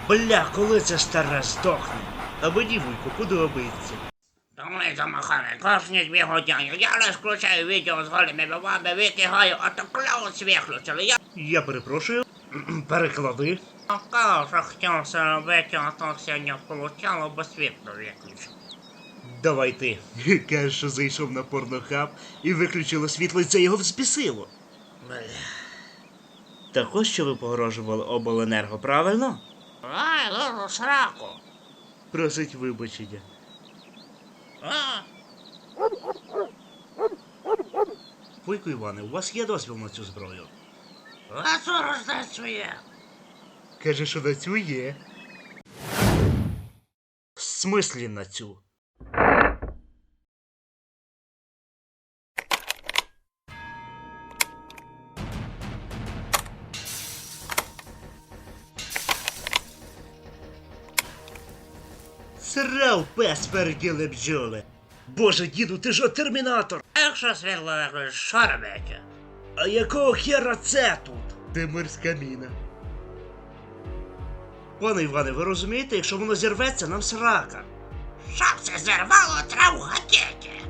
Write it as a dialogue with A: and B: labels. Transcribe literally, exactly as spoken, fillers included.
A: Бля, коли це стара здохне? А мені, вуйку, подобається.
B: Думайте, махане, кожні дві години. Я лиш включаю відео з голими бабами, викигаю, а то клаус виключили. Я
A: Я перепрошую. Переклади.
B: каже, хотів це робити, а то сьогодні получало, бо світло виключив.
A: Давай ти. Каже, що зайшов на порнохаб і виключило світло, і це його взбісило.
B: Бля.
A: Так ось що ви погрожували обленерго, правильно?
B: Ай, лежу сраку.
A: Просить вибачення.
B: А?
A: Вуйку Іване, у вас є дозвіл на цю зброю?
B: А що роздать своє?
A: Каже, що на цю є. В смислі на цю? Срав пес переділи бджоли. Боже, діду, ти ж термінатор.
B: А якщо світло виключить, що робити?
A: А якого хера це тут? Де морська міна? Пане Іване, ви розумієте, якщо воно зірветься, нам срака.
B: Щоб це зірвало траву гатити.